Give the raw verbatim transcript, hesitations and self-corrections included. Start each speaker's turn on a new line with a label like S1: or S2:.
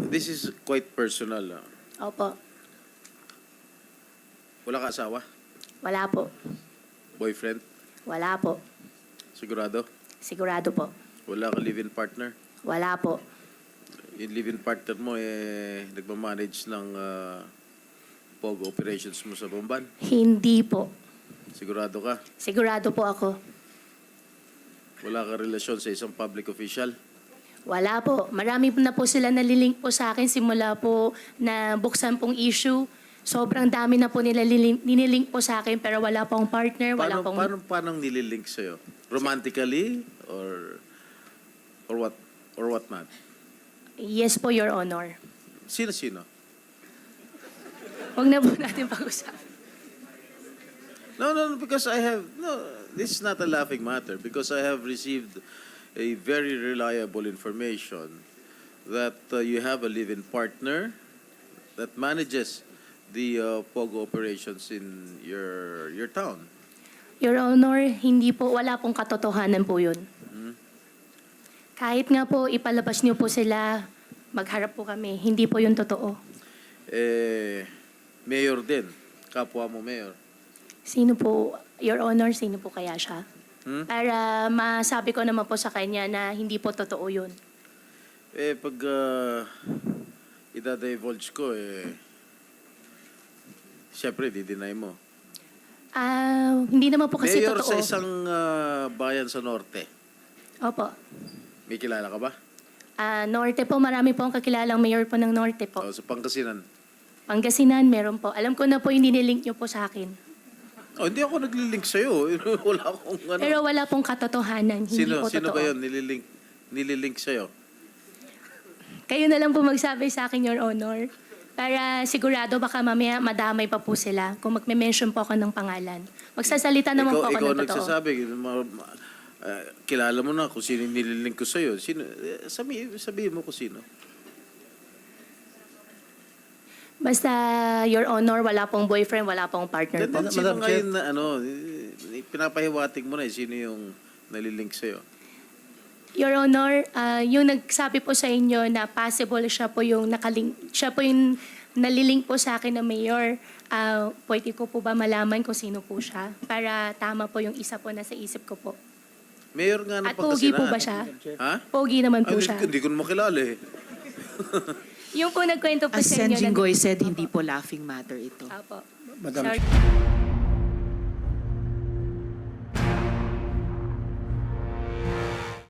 S1: this is quite personal. ah.
S2: Opo.
S1: Wala ka asawa?
S2: Wala po.
S1: Boyfriend?
S2: Wala po.
S1: Sigurado?
S2: Sigurado po.
S1: Wala ka live-in partner?
S2: Wala po.
S1: Yung live-in partner mo, eh, nagmamanage ng uh, P O G operations mo sa Bomban?
S2: Hindi po.
S1: Sigurado ka?
S2: Sigurado po ako.
S1: Wala ka relasyon sa isang public official?
S2: Wala po. Marami po na po sila nalilink po sa akin simula po na buksan pong issue. Sobrang dami na po nila lilink, nililink po sa akin pero wala pong partner, wala
S1: Paano,
S2: pong...
S1: paano, paano nililink sa'yo? Romantically? Or, or what? Or what not?
S2: Yes po, Your Honor.
S1: Sino-sino?
S2: Huwag na po natin pag-usapan.
S1: No, no, no, because I have, no, this is not a laughing matter because I have received a very reliable information that uh, you have a live-in partner that manages the uh, P O G operations in your your town.
S2: Your Honor, hindi po, wala pong katotohanan po yun.
S1: Hmm?
S2: Kahit nga po ipalabas niyo po sila, magharap po kami. Hindi po yun totoo.
S1: Eh, mayor din. Kapwa mo mayor.
S2: Sino po, Your Honor, sino po kaya siya?
S1: Hmm?
S2: Para masabi ko naman po sa kanya na hindi po totoo yun.
S1: Eh, pag uh, idadivulge ko, eh, siyempre, di-deny mo.
S2: Ah, hindi naman po kasi
S1: Mayor
S2: totoo.
S1: sa isang uh, bayan sa norte.
S2: Opo.
S1: May kilala ka ba?
S2: Ah, Norte po, marami po ang kakilalang mayor po ng Norte po.
S1: O, sa Pangasinan.
S2: Pangasinan, meron po. Alam ko na po yung nililink niyo po sa akin.
S1: Oh, hindi ako naglilink sa'yo. Wala akong ano.
S2: Pero wala pong katotohanan. Hindi
S1: Sino,
S2: po
S1: sino
S2: totoo.
S1: ba yun nililink, nililink sa'yo?
S2: Kayo na lang po magsabi sa akin, Your Honor. Para sigurado baka mamaya madamay pa po sila kung magme-mention po ako ng pangalan. Magsasalita naman
S1: ikaw,
S2: po ako
S1: ikaw
S2: ng totoo.
S1: nagsasabi, ma- ma- uh, kilala mo na kung sino yung nililink ko sa'yo. Sino, eh, sabi, sabihin mo kung sino.
S2: Basta, Your Honor, wala pong boyfriend, wala pong partner
S1: Then,
S2: po.
S1: then, sino
S3: Madam Chair.
S1: ngayon na ano, eh, pinapahiwatig mo na eh, sino yung nalilink sa'yo.
S2: Your Honor, ah, yung nagsabi po sa inyo na possible siya po yung nakalink, siya po yung nalilink po sa akin na mayor, ah, pwede ko po ba malaman kung sino po siya? Para tama po yung isa po na sa isip ko po.
S1: Mayor nga ng
S2: At pogi
S1: Pangasinan.
S2: po ba siya?
S1: Ha?
S2: Pogi naman po
S1: Ay,
S2: siya.
S1: Hindi ko na makilala eh.
S2: Yung po nagkwento po
S4: As
S2: sa inyo.
S4: Sen Jinggoy said, hindi po laughing matter ito.
S2: Apo.
S3: Madam
S2: Sorry.